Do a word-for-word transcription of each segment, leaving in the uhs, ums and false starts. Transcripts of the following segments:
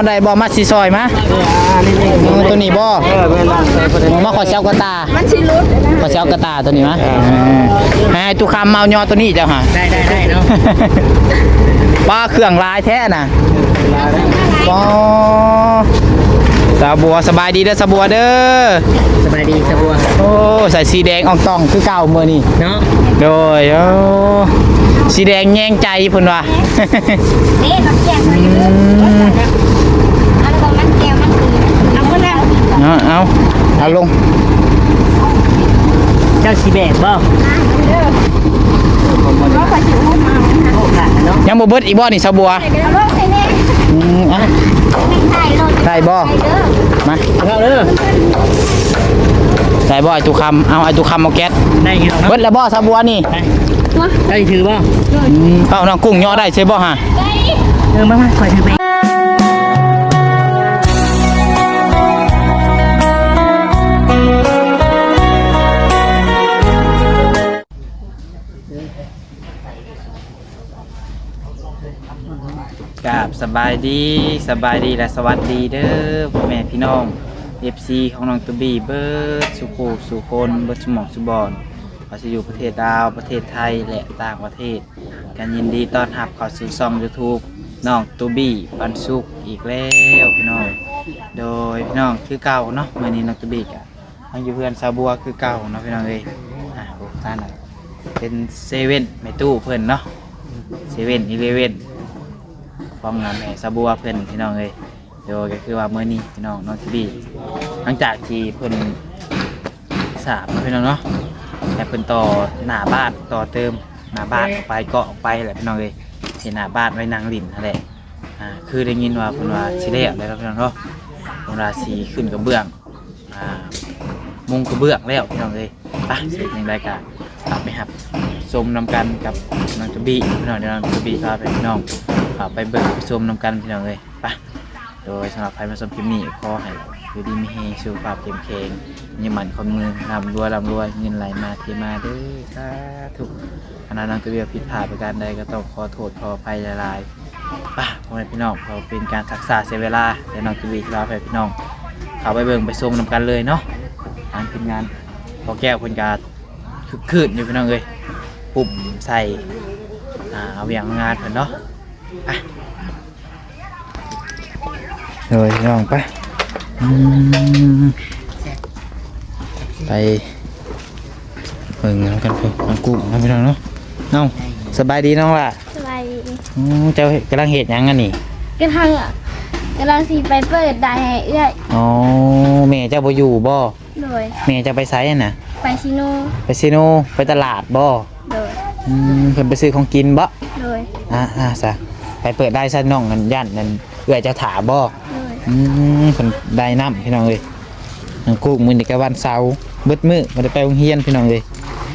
ได้บ่มาสิซอยมาตัวนี้บ่มาขอเซลกระตามันสิรุดขอเซลกระตาตัวนี้มาให้ตุคำเมาย่อตัวนี้เจ้าค่ะได้ได้ได้เนาะป้าเครื่องลายแท้น่ะป้าสาบัวสบายดีเด้อสาบัวเด้อสบายดีสาบัวโอ้ใส่สีแดงอองตองคือเก่าเมื่อนี่เนาะโดยโอ้สีแดงแย่งใจเพิ่นว่านี่มันแย่งเลยเอาลงมันแก้วมันคือเอาคนละเอาเอาเอาลงเจ้าสีแดงบ่ยังบ่เบิดอีกบ่นี่สาบัวอืมอ่ะใส่บ่มาเข้าเด้อใส่บ่ไอตุคำเอาไอตุคำเอาแก๊สได้เบิดแล้วบ่สาบัวนี่ได้ถือบ่เอาน้องกุ้งย่อได้ใช่บ่ฮะเออมามาคอยถือไปกับสบายดีสบายดีและสวัสดีเด้อพ่อแม่พี่น้อง เอฟ ซี ของน้องตูบี้เบิร์ดสุโขสุคนเบิร์ดสมองสุบอนเราจะอยู่ประเทศลาวประเทศไทยและต่างประเทศกันยินดีต้อนรับเข้าสู่ช่อง ยูทูบ น้องตูบี้ปันสุกอีกแล้วพี่น้องโดยพี่น้องคือเก่าเนาะเมื่อนี้น้องตูบี้กับน้องอยู่เพื่อนซาบัวคือเก่าเนาะพี่น้องเลยอ่ะโอ้ท่านเป็นเซเว่นไม่ตู้เพื่อนเนาะเซเว่นอีเลเว่นพร้อมงานแม่ซาบัวเพื่อนพี่น้องเลยโดยก็คือว่าเมื่อนี้พี่น้องน้องตูบี้หลังจากที่เพื่อนสามพี่น้องเนาะแต่เพิ่นต่อหน้าบ้านต่อเติมหน้าบ้านออกไปเกาะออกไปแหละพี่น้องเลยเห็นหน้าบ้านไว้นางลิ่นนั่นแหละอ่าคือได้ยินว่าเพิ่นว่าสิแล้วแล้วพี่น้องเนาะเพิ่นว่าสีขึ้นกระเบื้องอ่ามุงกระเบื้องแล้วพี่น้องเลยไปเสร็จในรายการกลับไปครับชมนำกันกับน้องตูบี้พี่น้องเดี๋ยวน้องตูบี้พาไปพี่น้องไปเบิ่งไปชมนำกันพี่น้องเลยไปโดยสำหรับใครมาชมคลิปนี้ขอให้อยู่ดีมีเฮสุขภาพเข้มแข็งมีหมันคนเงินร่ำรวยร่ำรวยเงินไหลมาเทมาเด้อสาธุขณะนั้นตัวเบียผิดพลาดประการใดก็ต้องขอโทษขออภัยหลายๆป่ะพ่อแม่พี่น้องเราเป็นการศึกษาเสียเวลาเดี๋ยวน้องตัวเบียเราไปพี่น้องเขาไปเบิ่งไปชมนำกันเลยเนาะงานเป็นงานพอแก้วคนการคึกคืนอยู่พี่น้องเลยปุ่มใส่เอาอย่างงานเพิ่นเนาะอ่ะเลยพี่น้องไปไปเบิ่งกันเพิ่งน้องกุ้งน้องพี่น้องเนาะน้องสบายดีน้องล่ะสบายดีเจ้ากำลังเหตุยังกันนี่กำลังกำลังสีไปเปิดได้ให้เอื้อยอ๋อแม่เจ้าไปอยู่บ่โดยแม่จะไปไซน่ะไปซิโนไปซิโนไปตลาดบ่โดยเพิ่นไปซื้อของกินบ่โดยอ่าอ่าซะไปเปิดได้ซะน้องนั่นย่านนั่นเอื้อยจะถามบ่อืมคนได้น้ำพี่น้องเลยน้องกุ้งมือเด็กกวันเสาร์เบิดมือมาได้ไปโรงเรียนพี่น้องเลย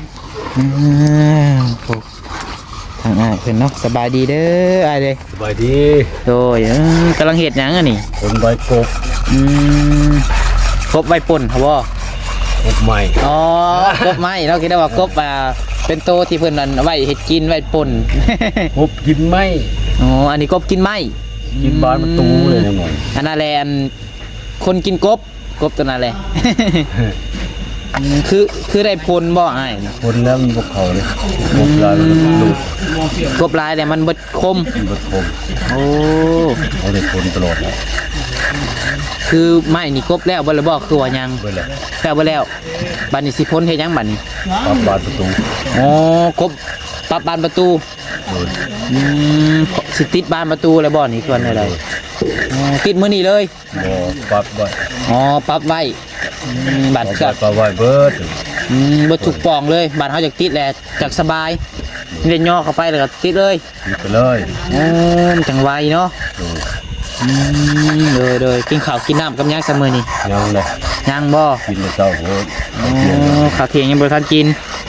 ทางอ่ะเพื่อนเนาะสบายดีเด้อไอ้เด้สบายดีโดยกำลังเห็ดยังอ่ะนี่ผมใบกบอืมกบใบป่นครับบ่กบใหม่อ๋อกบไม้เราคิดได้ว่ากบอ่าเป็นโตที่เพื่อนนั่นไว้เห็ดกินไว้ป่นกบกินไม้อ๋ออันนี้กบกินไม้กินบ้านประตูเลยนะหมออันนั้นแหละคนกินกบกบตัวนั้นแหละคือคือได้พลบ่ไอ้พลแล้วมันบกเขาเลยกบลายมันดูกบลายแต่มันบดคมบดคมโอ้เขาได้พลตลอดเลยคือไม่นี่กบแล้วบ่เลยบ่คือว่ายังบ่แล้วแต่บ่แล้วบัดนี้สิพ้นเฮ็ดยังบัดนี้ปรับบานประตูอ๋อกบปรับบานประตูอืมสิติดบานประตูแล้วบ่นี่คืออะไรอ๋อติดมื้อนี้เลยบ่ปรับไว้อ๋อปรับไว้บัตรก็ปรับไว้เบิดอืมบ่ถูกปองเลยบัตรเฮาจักติดแหละจักสบายเล่นย่อเข้าไปแล้วก็ติดเลยติดไปเลยอ๋อจังไวเนาะอืมเลยๆกินข้าวกินน้ำกับยังซะมื้อนี้ยังเลยยังบ่กินแต่เช้าโหอ๋อข้าวเที่ยงยังบ่ทันกิน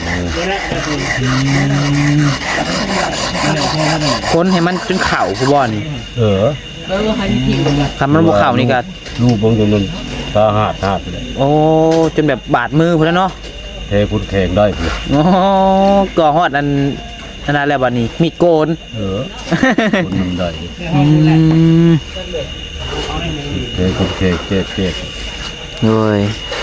คนให้มันจนเข่าผู้บ่นี่เออทำมันบ่เข่านี่ก็ลูกบางจนมันตาหาดหาดเลยโอ้จนแบบบาดมือพุ่นแล้วเนาะเทพุ่นแข็งได้พุ่นโอ้ก่อฮอดอันนั่นแล้วบัดนี้มีดโกนเออคนมันได้คุณเคเจ็ดเจ็ดโดย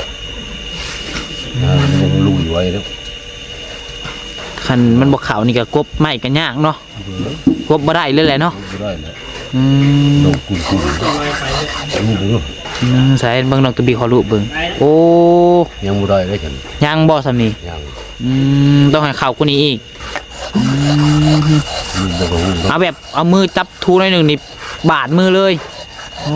นะยังลุยไว้แล้วคันมันบ่ขาวนี่ก็กบไม้ก็ยากเนาะกบบ่ได้เลยแหละเนาะไม่ได้แล้วอืมลงกุนกุนนี่ดูอืมใส่เบิ่งน้องตัวบีขอรูปเบิ่งโอ้ยังไม่ได้เลยฉันยังบ่ซำนี่ยังอืมต้องให้เข้ากูนี่อีกอืมลุงบอกว่าเอาแบบเอามือจับทูหน่อยหนึงนี่บาดมือเลยโอ้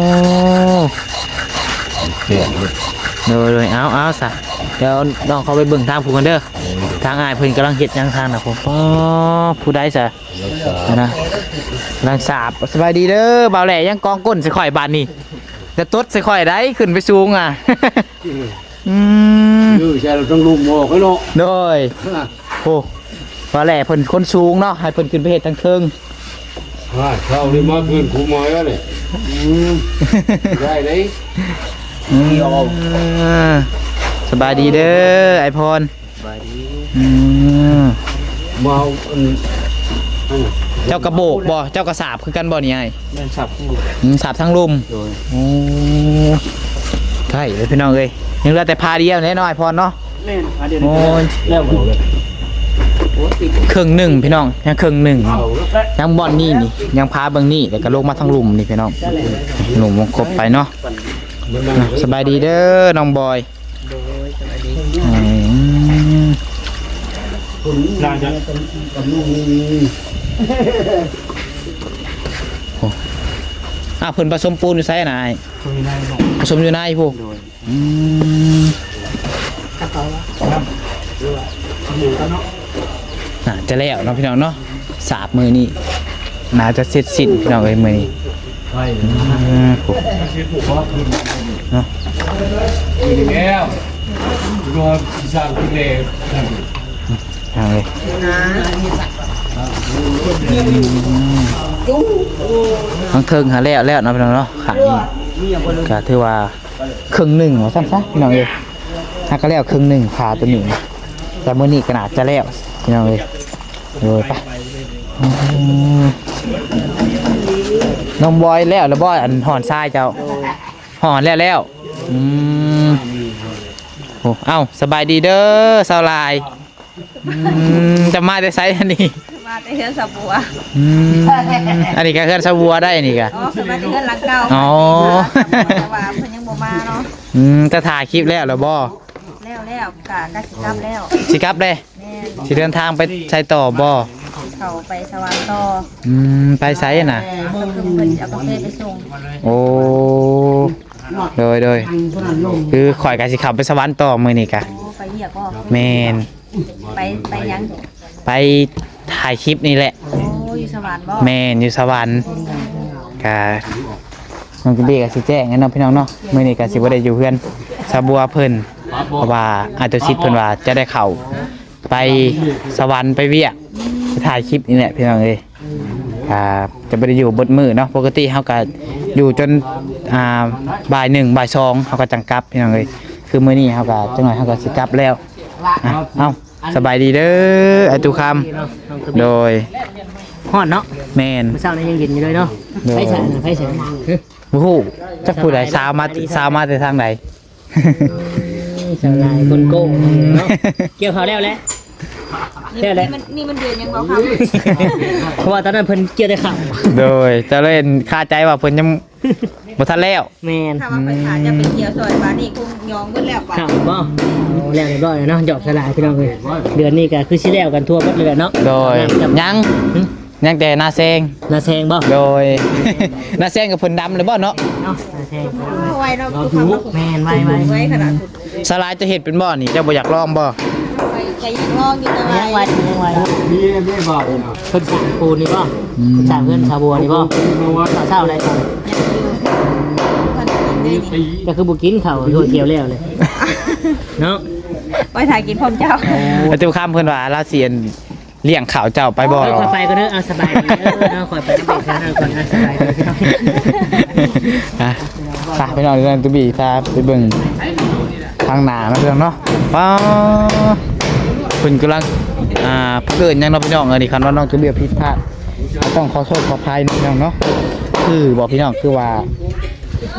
เจ็ดเลยเด้อเลยเอาเอาซะเดี๋ยวน้องเขาไปเบิ่งทางผู้กันเด้อทางอ้ายเพิ่นกำลังเฮ็ดหยังทางน่ะผมอ๋อผู้ใดซะรักษานะนางสาบสบายดีเด้อบ่าวแหล่ยังกองก้นใส่ข่อยบานนี่จะตดใส่ข่อยได้ขึ้นไปสูงอ่ะ อืมยื้อใช่เราต้องลุมหมอกให้เนาะโดยโอ้บ่าวแหล่เพิ่นคนสูงเนาะให้เพิ่นขึ้นไปเฮ็ดทางเทิงว่าเช้านี้มาคืนคุ้มมาแล้วเนี่ยได้เลยอืมสบายดีเด้อไอพรสบายดีอืมมาอันเจ้ากระโบกบ่เจ้ากระสาบคือกันบ่นี่ไอ้แม่นสับทั้งหมดอืมสาบทั้งลุมโดยโอ้ใช่เลยพี่น้องเอ้ยยังเหลือแต่พาเดียวแน่นอนไอพรเนาะแม่นอันเดียวโอ้ยแล้วโอ้ติดครึ่งหนึ่งพี่น้องยังครึ่งหนึ่งเอาแล้วยังบอลนี่นี่ยังพาเบิ่งนี่แต่ก็ลงมาทั้งลุมนี่พี่น้องหลุมวงครบไปเนาะมันนั่งอ่ะสบายดีเด้อน้องบอยโดยสวัสดีอืมนานจังกับลุงอ่ะเพิ่นผสมปูนอยู่ไสน่ะไอ้คุยได้บอกผสมอยู่ในพวกโดยอืมกระเป๋าครับหมูกันเนาะน่าจะแล้วเนาะพี่น้องเนาะสาบมือนี่น่าจะเสร็จสิ้นพี่น้องเอ้ยมือนี้ใช่อืมโอ้ชื่อผูกว่าคืนเนาะคืนแล้วรอสร้างที่เลวเอาเลยทั้งเทิงหาแล้วแล้วเนาะพี่น้องเนาะขานี่ก็ถือว่าครึ่งหนึ่งว่าซั่นซะพี่น้องเอ้ยถ้าก็แล้วครึ่งหนึ่งขาตัวนี้แต่มื้อนี้ก็น่าจะแล้วพี่น้องเอ้ยโดยไปอืมน้องบอยแล้วแล้วบอยอันหอนทรายเจ้าหอนแล้วแล้วอืมโอ้เอ้าสบายดีเด้อสาวลายอืมจะมาแต่ไซส์อันนี้มาแต่เฮือนสับบัวอืมอันนี้ก็เฮือนสะบัวได้นี่ก็อ๋อคือมาแต่เฮือนหลังเก่าอ๋อแต่ว่าเพิ่นยังบ่มาเนาะอืมจะถ่ายคลิปแล้วเหรอบ่แล้วแล้วกะกะสิกลับแล้วสิกลับเลยแม่นสิเดินทางไปใช้ต่อบ่เขาไปสวรรค์ต่ออืมไปไสน่ะก็คือเพิ่นเอากาแฟไปส่งโอ้โดยโดยคือข่อยก็สิขับไปสวรรค์ต่อมื้อนี้กะโอ้ไปเหยียบก็แม่นไปไปยังไปถ่ายคลิปนี่แหละโอ้อยู่สวรรค์บ่แม่นอยู่สวรรค์กะน้องกินดีก็สิแจ้งให้น้องพี่น้องเนาะมื้อนี้ก็สิบ่ได้อยู่เฮือนสะบัวเพิ่นเพราะว่าอาตุสิทธิ์เพิ่นว่าจะได้เข้าไปสวรรค์ไปเวียกไปถ่ายคลิปนี่แหละพี่น้องเอ้ยครับจะบ่ได้อยู่เบิดมื้อเนาะปกติเฮาก็อยู่จนอ่าบ่ายหนึ่งบ่ายสองเฮาก็จังกลับพี่น้องเอ้ยคือมื้อนี้เฮาก็จังหน่อยเฮาก็สิกลับแล้วอ่ะเอ้าสบายดีเด้อไอ้ตุคำโดยฮอดเนาะแม่นเมื่อเช้านี้ยังเย็นอยู่เลยเนาะโดยไฟฉันไฟฉันโอ้โหจักผู้ใดสาวมาสาวมาแต่ทางใดสาวลายคนโก้เนาะเกี่ยวเขาแล้วแหละแล้วแหละมันนี่มันเดือนยังบ่ครับเพราะว่าตอนนั้นเพิ่นเกี่ยวแต่ข่าวโดยเจะเล่นคาใจว่าเพิ่นยังบ่ทันแล้วแม่นถ้าว่าไปหาจะไปเกี่ยวซอยบาดนี่คงยองเบิดแล้วป่ะข่าวบ่แล้วเรียบร้อยแล้วเนาะหยอกสลายพี่น้องเอ้ยเดือนนี้ก็คือสิแล้วกันทั่วหมดเลยแหละเนาะโดยยังยังแต่หน้าแซงนาแซงบ่โดย หน้าแซงกับเพิ่นดำเลยบ่เนาะเนาะนาแซงเอาไว้เนาะคือคำว่าแม่นไว้ไว้ไว้ขนาดสลายจะเฮ็ดเป็นบ่นี่เจ้าบ่อยากลองบ่ไปใจยังลองอยู่แต่ว่ายังไว้ยังไว้นี่ไม่บอกเพิ่นสร้างปูนนี่บ่เพิ่นสร้างเพื่อนชาวบัวนี่บ่ชาวเช่าอะไรต่อมันได้นี่ก็คือบุกินเขาโดยเกี่ยวแล้วเลยเนาะไปถ่ายกินพร้อมเจ้าไอ้ตุคำเพิ่นว่าลาเซียนเลี้ยงข้าวเจ้าไปบ่เออคอยไปก็เด้อเอาสบายดีเออเอาคอยไปก็ไปกันเอาก่อนเอาสบายดีพี่น้องอ่ะไปไปนอนเรื่องตุบีพาไปเบิ่งทางหน้าเนาะพี่น้องเนาะว้าวเพิ่นกำลังอ่าเกิดหยังเนาะพี่น้องเออนี่คันว่าน้องตุบีผิดพลาดก็ต้องขอโทษขออภัยนะพี่น้องเนาะคือบอกพี่น้องคือว่า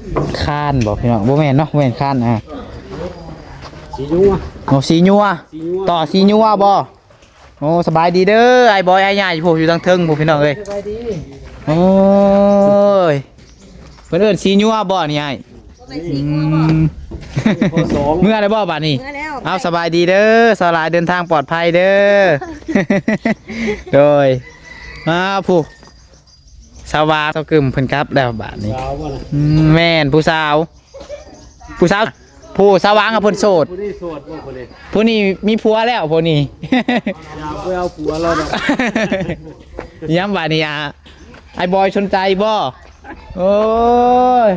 คานบ่พี่น้องบ่แม่นเนาะบ่แม่นคานอ่ะสีนัวโอ้สีนัวสีนัวต่อสีนัวบ่โอ้สบายดีเด้อไอ้บอยไอ้ใหญ่พวกอยู่ทางเทิงพวกพี่น้องเอ้ยสบายดีโอ้ยเพิ่นเอิ้นสีนัวบ่นี่ไอ้ในสีงัวบ่ข้อสองเมื่อได้บ่บาดนี้เมื่อแล้วเอาสบายดีเด้อสลายเดินทางปลอดภัยเด้อ โดยมาผู้สาวาเขากึมเพิ่นครับแล้วบาดนี้สาวบ่นะอืมแม่นผู้สาว ผู้สาวผู้สาวางกับเพิ่นโสดผู้นี้โสดบ่คนนี้ผู้นี้มีผัวแล้วผู้นี้อยากไปเอาผัวแล้วเนาะย้ำบาดนี้อ่ะไอ้บอยสนใจบ่โอ้ย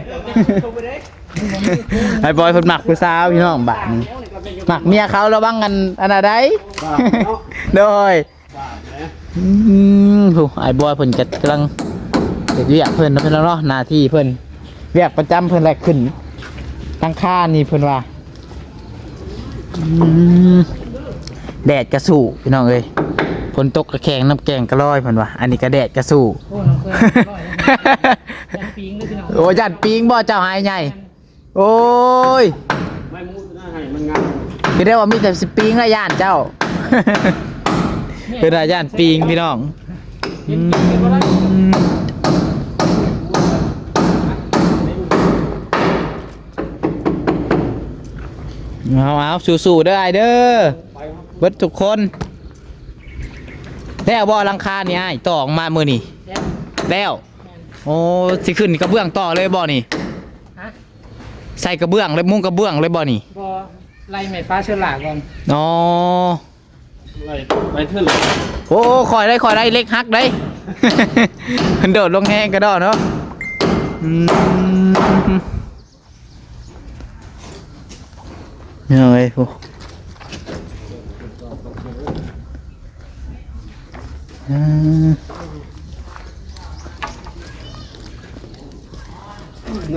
ไอ้บอยเพิ่นมักผู้สาวพี่น้องบาดนี้มักเมียเขาระวังกันอันน่ะได้ โดยอืมผู้ไอ้บอยเพิ่นก็กำลังเฮ็ดเวียกเพิ่นเนาะเพิ่นเนาะหน้าที่เพิ่นเวียกประจำเพิ่นแลกขึ้นตั้งค่านี่เพิ่นว่าอืมแดดกระสู่พี่น้องเอ้ยฝนตกกระแขงน้ำแกงกระลอยเพิ่นว่าอันนี้ก็แดดกระสู่โอ้น้องเคยอร่อยนะยันปิงด้วยพี่น้องโอ้ยันปิงบ่เจ้าหายใหญ่โอ้ยไม่มูดนะให้มันงามคือได้ว่ามีแต่สปิงและย่านเจ้า คือได้ย่านปิงพี่น้องอืมเอาเอาสู้ๆเด้อไอเด้อเบิดทุกคนแล้วบ่หลังคานี่ไอ้ต่อออกมามื้อนี่แล้วโอ้สิขึ้นกระเบื้องต่อเลยบ่นี่ฮะใส่กระเบื้องเลยมุ้งกระเบื้องเลยบ่นี่บอไล่ไม้ฟ้าเชื้อราก่อนอ๋อไล่ไปเถิดเลยโอ้คอยได้คอยได้เล็กฮักได้ มันโดดลงแห้งกระดอเนาะอืมเฮ้ยพวกอืมนะ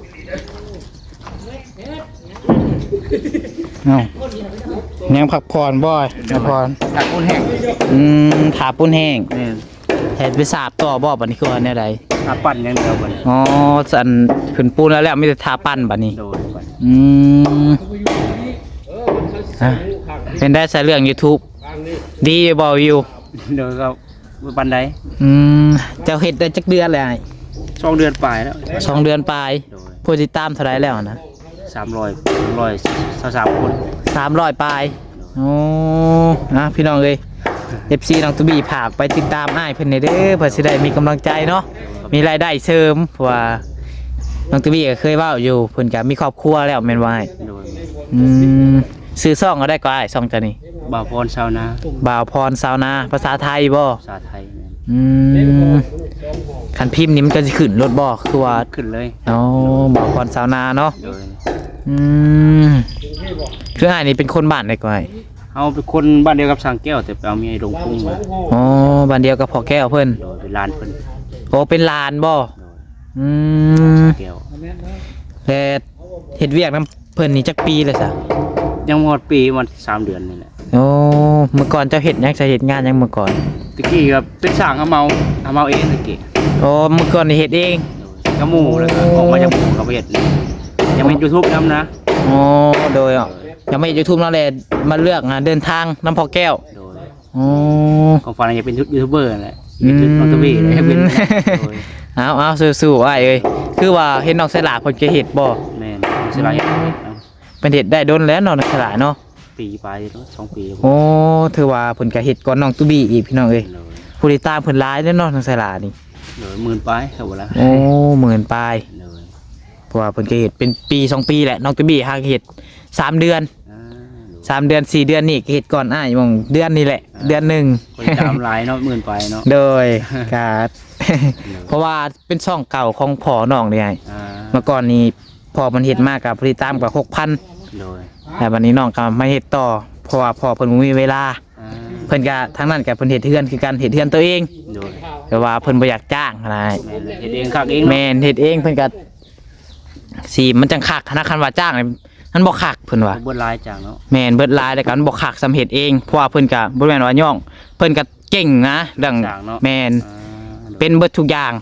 เอายังพักผ่อนบ่อยพักผ่อนถาปุ้นแห้งอืมถาปุ้นแห้งแทนไปสาบต่อบ่บัดนี้คือว่าแนวใดถ้าปั่นอย่างเดียวบัดอ๋อสันขึ้นปูนแล้วแล้วไมแต่ได้ทาปั้นบัดนี้โดนไปอืมอ่ะเป็นได้ใส่เรื่อง YouTube ทางนี้ดีบ่วิวเดี๋ยวก็บันไดอืมเจ้าเฮ็ดได้จักเดือนแล้วไอ้สองเดือนปลายแล้วสองเดือนปลายโดยผู้ติดตามเท่าไหร่แล้วนะสามร้อยสามร้อยสามสามคนสามร้อยปลายโอ้นะพี่น้องเอ้ย เอฟ ซี น้องตุบี้ผากไปติดตามอ้ายเพิ่นได้เด้อเพื่อสิได้มีกำลังใจเนาะมีรายได้เสริมเพราะว่าน้องตุบี้ก็เคยเว้าอยู่เพิ่นก็มีครอบครัวแล้วแม่นว่าอ้ายโดยอืมซื้อซ่องก็ได้ก็อ้ายซ่องตัวนี้บ่าวพรชาวนาบ่าวพรซาวนาภาษาไทยบ่ภาษาไทยเนี่ยอืมคันพิมพ์นี่มันก็สิขึ้นรถบ่คือว่าขึ้นเลยอ๋อบ่าวพรซาวนาเนาะโดยอืมคืออ้ายนี่เป็นคนบ้านได้ก็อ้ายเฮาเป็นคนบ้านเดียวกับสร้างแก้วแต่ไปเอาเมียลงพุ่งมาอ๋อบ้านเดียวกับพ่อแก้วเพิ่นโดยเป็นลานเพิ่นโอ้เป็นลานบ่โดยอืมแก้วแต่เฮ็ดเวียกนํเพิ่นนี่จักปีเลยซะยังหมดปีมันสามเดือนนี่แหละโอ้เมื่อก่อนเจ้าเฮ็ดหยังจะเฮ็ดงานหยังเมื่อก่อนตะกี้ก็เป็นสร้างเอาเมาเอาเมาเองตะกี้โอ้เมื่อก่อนนี่เฮ็ดเองก็หมู่แล้วก็ออกมาจากหมู่ก็ไปเฮ็ดเลยยังเป็น YouTube นำนะอ๋อโดยอ่ะยังไม่ YouTube นั่นแหละมาเลือกงานเดินทางน้ำพอแก้วโดยอ๋อของฟันอยากเป็นยูทูบเบอร์นั่นแหละเป็นน้องตะวีเลยให้เป็นโดยเอาเอาสู้ๆอ้ายเอ้ยคือว่าเฮ็ดน้องสลาเพิ่นก็เฮ็ดบ่แม่นสิลายเป็นเฮ็ดได้โดนแล้วเนาะน้องสลาเนาะปีไปเนาะสองปีโอ้ถือว่าเพิ่นก็เฮ็ดก่อนน้องตุบี้อีกพี่น้องเอ้ยโดยผู้ติดตามเพิ่นหลายเด้อเนาะน้องสลานี่โดยหมื่นไปเท่าไหร่โอ้หมื่นปลายโดยเพราะว่าเพิ่นก็เฮ็ดเป็นปีสองปีแหละน้องตุบี้หาเฮ็ดสามเดือนอ่าสามเดือนสี่เดือนนี่ก็เฮ็ดก่อนอ้ายมองเดือนนี่แหละ เดือนหนึ่งคนตามหลายเนาะหมื่นไปเนาะโดยการ เพราะว่าเป็นช่องเก่าของพ่อน้องนี่ไงอ่าเมื่อก่อนนี้พ่อมันเฮ็ดมากกับผลิตตามกับหกพันโดยแต่วันนี้น้องก็มาเฮ็ดต่อเพราะว่าพ่อเพิ่นบ่มีเวลาอ่าเพิ่นก็ทั้งนั้นก็เพิ่นเฮ็ดเฮือนคือกันเฮ็ดเฮือนตัวเองโดยแต่ว่าเพิ่นบ่อยากจ้างนะแม่นเลยเฮ็ดเองคักเองแม่นเฮ็ดเองเพิ่นก็สิมันจังคักธนาคารว่าจ้างนี่มันบ่คักเพิ่นว่าเบิดหลายจังเนาะแม่นเบิดหลายแล้วก็มันบ่คักสำเฮ็ดเองเพราะว่าเพิ่นก็บ่แม่นว่าย่อง เพิ่นก็เก่งนะเรื่องแม่นอ่าเป็นเบิดทุกอย่างแม่น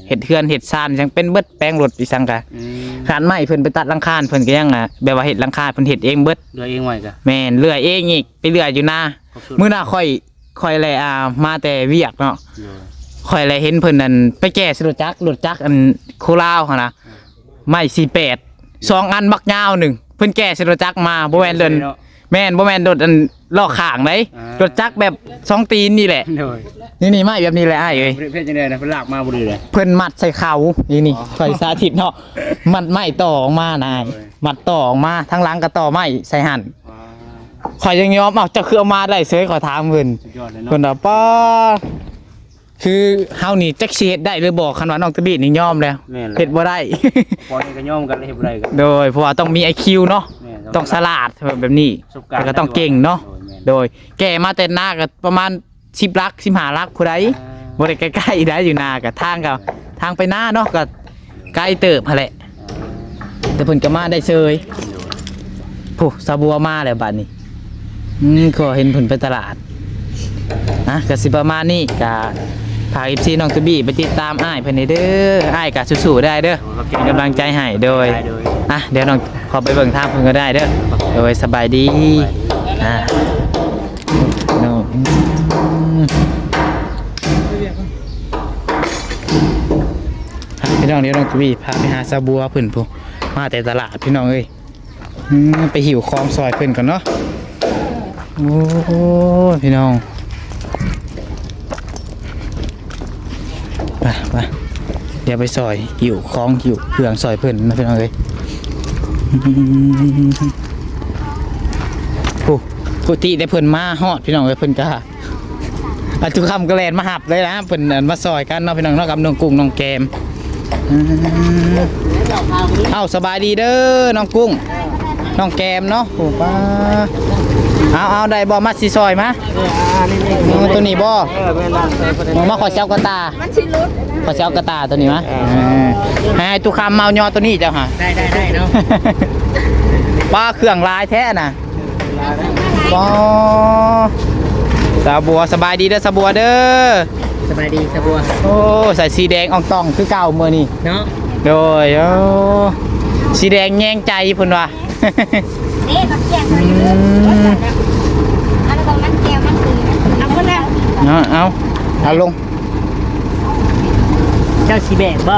เฮ็ดเฮือนเฮ็ดซ่านจังเป็นเบิดแปลงรถอีสังกะอืมขานไม้เพิ่นไปตัดหลังคาเพิ่นก็ยังอ่ะแบบว่าเฮ็ดหลังคาเพิ่นเฮ็ดเองเบิดเรือเองไว้กะแม่นเลื่อยเองอีกไปเลื่อยอยู่นามื้อหน้าค่อยค่อยแลอ่ามาแต่เวียกเนาะโดยค่อยแลเห็นเพิ่นนั่นไปแก้สิรถจักรรถจักรอันโคลาวหั่นน่ะไม้สี่สิบแปดสองอันบักยาวหนึ่งเพิ่นแก้สิรถจักรมาบ่แม่นเดินแม่นบ่แม่นรถอันล้อข้างไดรถจักรแบบสองตีนนี่แหละโดยนี่นี่ไม้แบบนี้แหละอ้ายเอ้ยเพิ่นจังได๋นะเพิ่นลากมาบ่ดีเลยเพิ่นมัดใส่เขานี่นี่ข่อยสาธิตเนาะมัดไม้ต่อออกมานายมัดต่อออกมาทั้งหลังก็ต่อไม้ใส่หั่นว้าข่อยยังยอมเอาจะคือเอามาได้เสยขอถามเพิ่นสุดยอดเลยเนาะเพิ่นว่าป้าคือเฮานี่จักสิเฮ็ดได้หรือบ่คันว่าน้องตะบีนี่ยอมแล้วแม่นเลยเฮ็ดบ่ได้ปล่อยให้ก็ย่อมกันเลยเฮ็ดบ่ได้กันโดยเพราะว่าต้องมี ไอ คิว เนาะแม่นต้องฉลาดแบบนี้ประสบการณ์แล้วก็ต้องเก่งเนาะโดยแม่นโดยแก่มาแต่หน้าก็ประมาณสิบลักสิบห้าลักผู้ใดบ่ได้ใกล้ๆได้อยู่หน้าก็ทางก็ทางไปหน้าเนาะก็ไกลเติบหั่นแหละแต่เพิ่นก็มาได้เชยโอ้ซาบัวมาแล้วบัดนี้อืมก็เห็นเพิ่นไปตลาดนะก็สิประมาณนี้ก็พา เอฟ ซี น้องตะบี้ไปติดตามอ้ายเพิ่นให้เด้ออ้ายก็สู้ๆได้เด้อเป็นกำลังใจให้โดยได้โดยอ่ะเดี๋ยวน้องขอไปเบิ่งทางเพิ่นก็ได้เด้อโดยสบายดีอ่ะน้องอืมอ่ะพี่น้องเดี๋ยวน้องทวีพาไปหาซาบัวเพิ่นพูมาแต่ตลาดพี่น้องเอ้ยอืมไปหิวคลองซอยเพิ่นก่อนเนาะโอ้โหพี่น้องไปไปเดี๋ยวไปซอยหิวคลองหิวเครื่องซอยเพิ่นนะพี่น้องเอ้ย โอ้ปกติได้เพิ่นมาฮอดพี่น้องเอ้ยเพิ่นก็อาทุกคำก็แลนมาหับเลยนะเพิ่นอันมาซอยกันเนาะพี่น้องเนาะกับน้องกุ้งน้องแกมอืมเอ้าสบายดีเด้อน้องกุ้งน้องแกมเนาะโอ้ป้าเอาเอาได้บ่มาสิซอยมาเอาตัวนี้บ่มาขอเจ้ากระตามันสิรุดขอเจ้ากระตาตัวนี้มาให้ทุกคำเมายอตัวนี้เจ้าค่ะได้ได้ได้เนาะป้าเครื่องลายแท้น่ะป้าสาบัวสบายดีเด้อสาบัวเด้อสบายดีสะบัวโอ้ใส่สีแดงอ่องตองคือเก่าเมื่อนี่เนาะโดยโอ้สีแดงแย่งใจเพิ่นว่ะนี่กับแก้วมาอยู่อันนั้นมันแก้วมันคือเอาคนละเอาเอาเอาลงเจ้าสิแบกบ่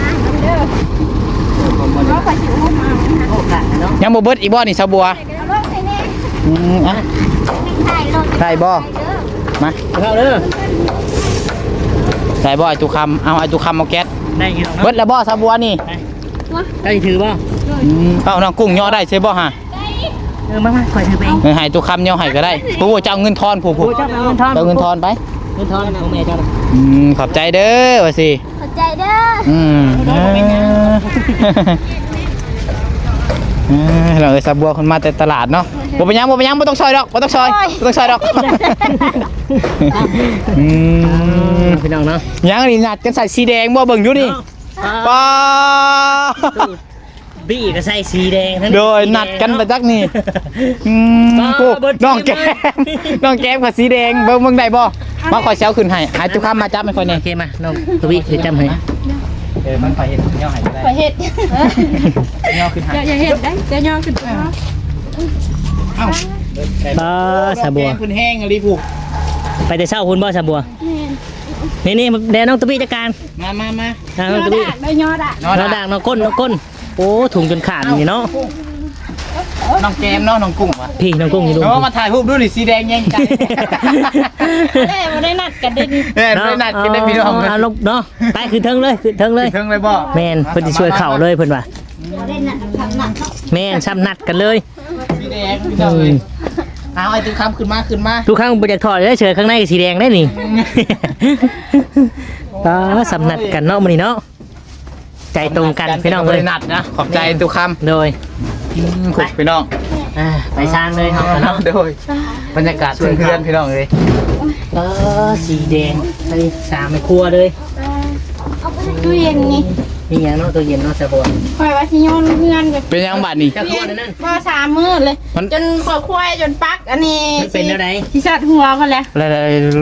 เพราะว่าสิอุ้มมาโอกาสเนาะยังบ่เบิดอีกบ่นี่สาบัวเอาลงใส่แน่อืมอ่ะใส่ลงได้บ่มาเข้าเด้อได้บ่ไอ้ตุคำเอาไอ้ตุคำเอาแก๊สได้กี่เบิดแล้วบ่สาบัวนี่ได้ถือบ่อืมเอาน้องกุ้งย่อได้ใช่บ่ฮะเออมามาคอยถือไปเองเออให้ตุคำย่อให้ก็ได้ผู้เจ้าเงินทอนผู้ผู้โอ้เจ้าเอาเงินทอนเจ้าเงินทอนไปเงินทอนของแม่เจ้าอืมขอบใจเด้อว่าสิขอบใจเด้ออืมเออเออเราเอ้ยสาบัวคนมาแต่ตลาดเนาะบ่เป็นหยังบ่เป็นหยังบ่ต้องซอยดอกบ่ต้องซอยบ่ต้องซอยดอกอืมพี่น้องเนาะยังนี่นัดกันใส่สีแดงบ่เบิ่งอยู่นี่ป้าบี้ก็ใส่สีแดงทั้งโดยนัดกันไปจักนี่อืมโอ้น้องแก้มน้องแก้มกับสีแดงเบิ่งเบิ่งได้บ่มาขอเซลขึ้นให้ให้ทุกคำมาจับให้ค่อยแน่โอเคมาน้องทวีถือจำให้เออมันไปเฮ็ดย่อให้ก็ได้ไปเฮ็ดย่อขึ้นให้อย่าเฮ็ดได้จะย่อขึ้นมาเอ้าบ่สะบัวคุณแห้งอะไรผูกไปแต่เช้าคุณบ่สะบัวนี่นี่แดนน้องทวีจัดการมามามาน้องทวีได้ยอดอ่ะน้องน้องด่างน้องก้นน้องก้นโอ้ถุงจนขาดนี่เนาะน้องแก้มเนาะน้องกุ้งวะพี่น้องกุ้งอยู่ดูเนาะมาถ่ายรูปดูนี่สีแดงแย่งใจได้บ่ได้นัดกันได้เออไม่นัดกินได้พี่น้องเอาลงเนาะไปขึ้นเทิงเลยขึ้นเทิงเลยเครื่องเลยบ่แม่นเพิ่นสิช่วยเข่าเลยเพิ่นว่าบ่ได้นัดทำนัดแม่นซ้ำนัดกันเลยสีแดงพี่น้องเลยเอาไอ้ตุ้คำขึ้นมาขึ้นมาทุกครั้งบ่อยากถอดเลยเฉยข้างในก็สีแดงได้นี่ ตาซ้ำนัดกันเนาะมื้อนี้เนาะใจตรงกันพี่น้องเลยนัดนะขอบใจตุ้คำโดยขุดพี่น้องอ่าไปสร้างเลยเนาะเนาะโดยบรรยากาศเพื่อนๆพี่น้องเลยเออสีแดงไปสามในครัวเลยเอาไปตู้เย็นนี่มีหยังเนาะตัวเย็นเนาะสะบัวคอยว่าสิโยนเพื่อนกับเป็นยังบัดนี่จะครัวนั่นบ่สามมื้อเลยมันจนขอควายจนปักอันนี้มันเป็นอะไรที่สัตว์หัวกันแล้วอะไร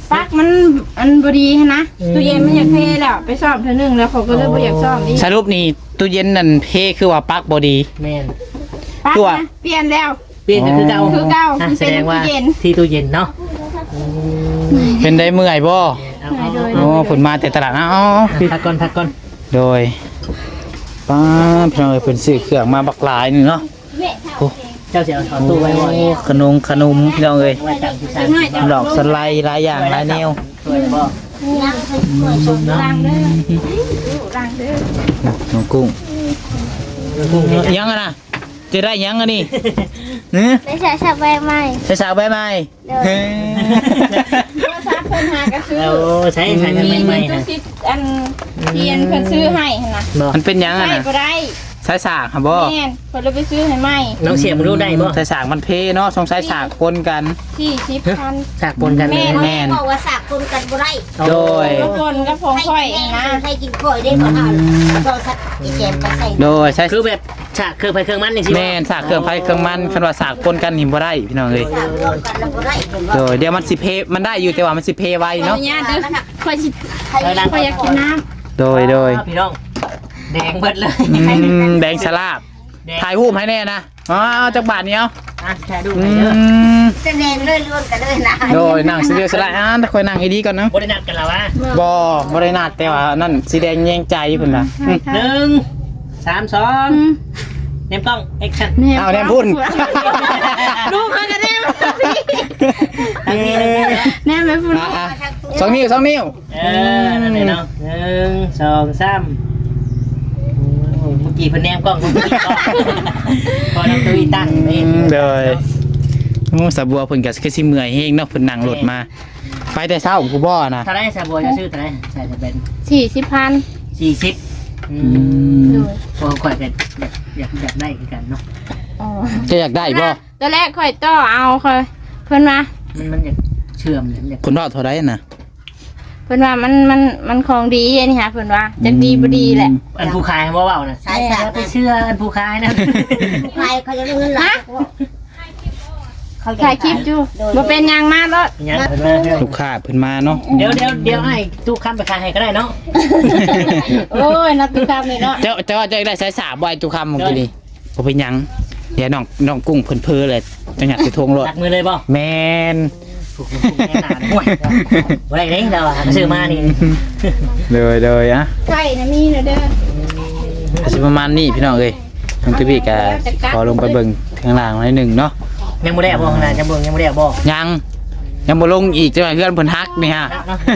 ปลั๊กมันอันบ่ดีหั้นนะตู้เย็นมันอยากเทแล้วไปซ่อมเทื่อนึงแล้วเขาก็เลยบ่อยากซ่อมอีกสรุปนี่ตู้เย็นนั่นเพคือว่าปลั๊กบ่ดีแม่นปลั๊กตัวนะเปลี่ยนแล้วเปลี่ยนก็คือเก่าคือเก่าอ่ะคือแสเป็นดงว่าตู้เย็นที่ตู้เย็นเนาะเป็นได้เมื่อยบ่เอาเอาโอ้ผลมาแต่ตลาดนะอ๋อพักก่อนพักก่อนโดยป้าพี่น้องเอ้ยเพิ่นซื้อเครื่องมาบักหลายนึงเนาะโอ้เจ้าเสียเอาถอนตู้ไว้บ่ขนมขนมพี่น้องเอ้ยไว้ตั้งที่ชั้นดอกสไลด์หลายอย่างหลายแนวสวยบ่นั่งเพิ่นเปิดชมล้างเด้อล้างเด้อน้องกุ้งกุ้งเห็นยังยังอะนะจะได้ยังอะนี่เนื้อได้ใช้ชาใบไม้ใส่สาวใบไม้เฮ้ยโทรศัพท์เพิ่นหาก็ซื้อเอาใช้ใช้กันใหม่ๆตู้นะซิดอันเทียนเพิ่นซื้อให้หั่นน่ะบ่มันเป็นยังอะใส่นะบ่ได้ใส่สากครับบ่แม่นเพิ่นเลยไปซื้อให้ใหม่น้องเสียมรู้ได้บ่ใส่สากมันเพเนาะสงสัยสากปนกันสี่สิบพันสากปนกันเลยแม่นบอกว่าสากคนกันบ่ได้โดยรถบนกับของค่อยนะให้กินข่อยได้บ่อ่านก็สักอีแจมไปใส่โดยใช้คือแบบฉากเครื่องไปเครื่องมันนี่สิแม่นสากเครื่องไฟเครื่องมันคันว่าสากปนกันนี่บ่ได้พี่น้องเอ้ยสากรวมกันแล้วบ่ได้เป็นว่าโดยเดี๋ยวมันสิเพมันได้อยู่แต่ว่ามันสิเพไวขออเนาะนุญาตเด้อค่อยสิใครค่อยอยากกินน้โดยโดยพี่น้องแดงเบิดเลยอืมแดงฉลาบถ่ายรูปให้แน่นะอ๋อจักบาทเนี้ยอ่ะแชร์ดูอืหน่อยเด้อมแสดงเลยล้วนกันเลยนะโดยนั่งสิเดียวสลายอ่าแต่คอยนั่งให้ดีก่อนเนาะบ่ได้นัดกันแล้ววะบ่บ่ได้นัดแต่ว่านั่นสีแดงแยงใจเพิ่นน่ะอืมหนึ่งสามสองเนมกล้องแอคชั่นำเอาแนมพุ่นลูกเขาก็แนมทางนี้เลยแนมไปพุ่นอ่ะอ่ะสองนิ้วสองนิ้วเออนั่นเลยเนาะหนึ่งสองสามโอ้เมื่อกี้เพิ่นแนมกล้องเมื่อกี้กล้องพอน้ำตัวอีตั้งนี่อืมเลยโอ้สะบัวเพิ่นก็คือสิเมื่อยเฮงเนาะเพิ่นนั่งรถมา ไปแต่เช้ากูบ่นะเท่าไรซาบัวจะซื้อเท่าไรใส่จะเป็นสี่สิบพันสี่สิบอือืมมพอข่อยเป็นอยากอยากอยากได้คือกันเนาะอ๋อจะอยากได้บ่ตอนแรกค่อยต่อเอาค่อยเพิ่นมามันมันอยากเชื่อมอยากอยากคุณรอดเท่าไรน่ะเพิ่นว่ามันมันมันของดีอันนี้ฮะเพิ่นว่าจักดีบ่ดีแหละอันผู้ขายว่าเบาๆนะสายสากไปเชื่ออันผู้ขายนะใครเขาจะเงินหลักเขาถ่ายคลิปอยู่บ่เป็นหยังมากแล้วยังเพิ่นมาเด้อลูกค้าเพิ่นมาเนาะเดี๋ยวเดี๋ยวเดี๋ยวให้ตู้ค้ำไปขายให้ก็ได้เนาะโอ้ยนักตุกรรมนี่เนาะเจ้าเจ้าว่าจะได้สายสาบบ่ไอ้ตุคำเมื่อกี้นี่บ่เป็นหยังเดี๋ยวน้องน้องกุ้งเพิ่นเพ้อเลยจังหยัดสิทงรถตักมือเลยบ่แม่นถูกถูกแน่นอนห่วยบ่ได้เด้งเราอะซื้อมานี่เลยเลยอ่ะไข่นะมีนะเด้อสิประมาณนี้พี่น้องเอ้ยน้องตุ้ยก็ขอลงไปเบิ่งข้างล่างหน่อยหนึงเนาะยังบ่ได้บ่ขนาดยังบ่ยังบ่ได้บ่ยังยังบ่ลงอีกจังหวะเพื่อนเพิ่นฮักนี่ฮะ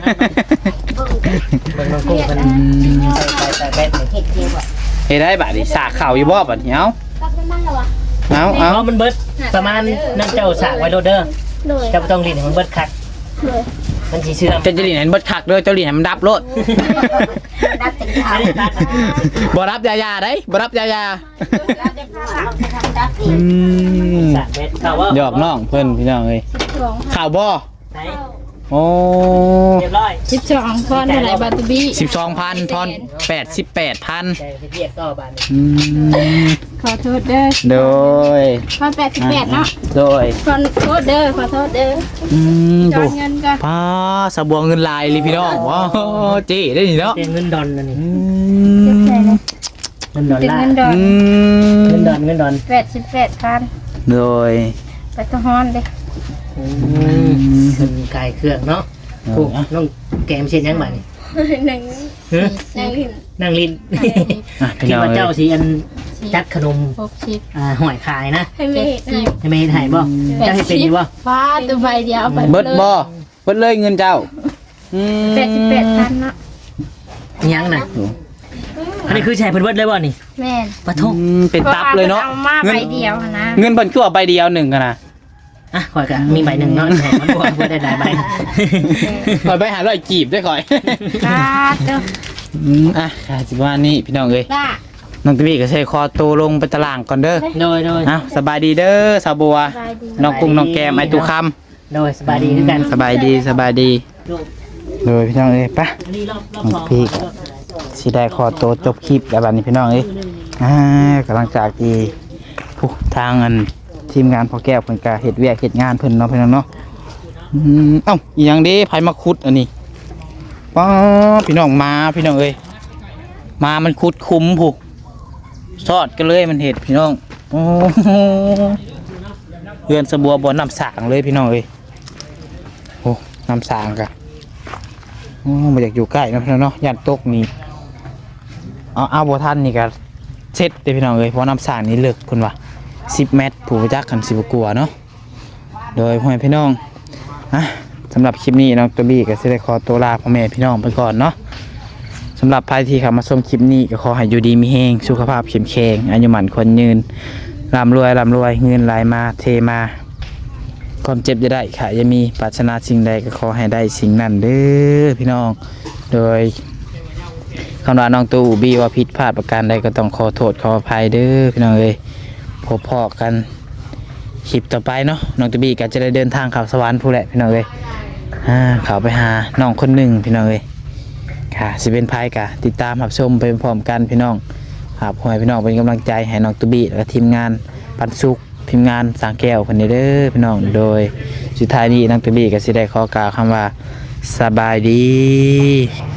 เบิ่งน้องกุ้งเพิ่นใส่ใส่ใส่แบตนี่เห็ดเดียวอ่ะเฮ็ดได้บัดนี้สากเข่าอยู่บ่บัดนี้เอ้าก็เป็นนั่นแล้ววะเอ้าเพเอ้าราะมันเบิดประมาณนั่นเจ้าสากไว้โลดเด้อเลยเจ้าบ่ต้องลิ้นให้มันเบิดคักเลยมันสิเชื่อมเจ้าจะหลีนให้มันเบิดคักเด้อเจ้าหลีนให้มันดับโลดดับเป็นยาวบ่รับยายาได้บ่รับยายาเราจะทำดับอีอืกมสากแบตเข้าว่าหยอกน้องเพิ่นพี่น้องเอ้ยข่าวบ่ไหนโอ้เรียบร้อยสิบสองพอนเท่าไหร่บาตูบี้สิบสองพันทอนแปดสิบแปดพันใจสิเรียกต่อบาดนี้อืมขอโทษเด้อโดยพอนแปดสิบแปดเนาะโดยขอโทษเด้อขอโทษเด้ออืมจอดูนเงินก่อนป้าสะบวงเงินลายเลยพี่น้องว้าวเจ๊ได้นี่เนาะเป็นเงินดอนนั่นนี่อืมเงินดอลเป็นลาเงิร์นดอนอืเงินมดอนเงินดอนแปดสิบแปดพันโดยไปตะฮอนเด้อืมเงินกายเครื่องเนาะโอ้น้องแกมเช่นยังบาดนี้หนึ่งฮะหนึ่งหินนั่งลิ้นอ่ะพี่คิดน้องว่าเอ้เจ้ายสีอันจัดขนมหกสิบอ่าหอยขายนะให้เมย์หน่อยให้เมย์ถ่ายบ่เจ้าให้เป็นอยู่บ่ฟ้าตัวใบเดียวเอาไปเบิดบ่เบิดเลยเงินเจ้าอืมแปดสิบแปดพันเนาะยังน่ะอันนี้คือแชร์เพิ่นเบิดเลยบ่นี่แม่นปะทงอืมเป็นตับเลยเนาะเอามาใบเดียวนะเงินเพิ่นคือเอาใบเดียวหนึ่งกันนะอ่ะข่อยก็มีใบหนึ่งเนาะแถมมันบ่เพิ่นได้หลายใบคอยไปหาร้อยกีบด้วยคอยกาดเด้ออืมอ่ะค่ะสิว่านี่พี่น้องเอ้ยล่าน้องตุ้ยก็ใช้คอโตวลงไปตารางก่อนเด้อโดยโดยอ้าวสบายดีเด้อสาวบัวใบดีน้องกุ้งน้องแกมไอตุคโดยสบายดีคือกันำสบายดีสบายดีลูกเลยพี่น้องเอ้ยไปะอันนี้รอบรอบสองพี่ สิได้ขอตัวจบคลิปแล้วบัดนี้พี่น้องเอ้ยอ่ากำลังจากที่ผู้ทางอันทีมงานพอแก้วเพิ่นก็เฮ็ดเวียกเฮ็ดงานเพิ่นเนาะพี่น้องเนาะอืมเอ้าอีหยังเด้ไผมาขุดอันนี้ป้าพี่น้องมาพี่น้องเอ้ยมามันขุดคุ้มผู้ซอดกันเลยมันเห็ดพี่น้องโอ้โหเรือนสะบัวบ่น้ำสางเลยพี่น้องเอ้ยโอ้น้ำสางกะโอ้บ่อยากอยู่ใกล้เนาะพี่น้องเนาะย่านตกนี่เอาเอาบ่ทันนี่ก็เช็ดเด้พี่น้องเอ้ยเพราะน้ำสางนี่เลิกเพิ่นว่าสิบเมตรผู้ประจักษ์กันสิบ่กลัวเนาะโดยพ่อแม่พี่น้องอ่ะสำหรับคลิปนี้น้องตัวบี้ก็สิได้ขอตัวลาพ่อแม่พี่น้องไปก่อนเนาะสำหรับใครที่เข้ามาชมคลิปนี้ก็ขอให้อยู่ดีมีแรงสุขภาพเข้มแข็งอายุหมันคนยืนร่ำรวยร่ำรวยเงินไหลมาเทมาความเจ็บจะได้ค่ะยังมีปรารถนาสิ่งใดก็ขอให้ได้สิ่งนั้นเด้อพี่น้องโดยคำว่าน้องตูบี้ว่าผิดพลาดประการใดก็ต้องขอโทษขออภัยเด้อพี่น้องเอ้ยพบพอกันคลิปต่อไปเนาะน้องตูบี้ก็จะได้เดินทางเข้าสวรรค์ผู้แหละพี่น้องเอ้ยอ่าเข้าไปหาน้องคนหนึ่งพี่น้องเอ้ยค่ะสิเป็นภัยกะติดตามรับชมไปพร้อมกันพี่น้องครับขอให้พี่น้องเป็นกำลังใจให้น้องตูบี้และทีมงานปันสุขทีมงานสางแก้วคนนี้เด้อพี่น้องโดยสุดท้ายนี้น้องตูบี้ก็สิได้ขอกล่าวคำว่าสบายดี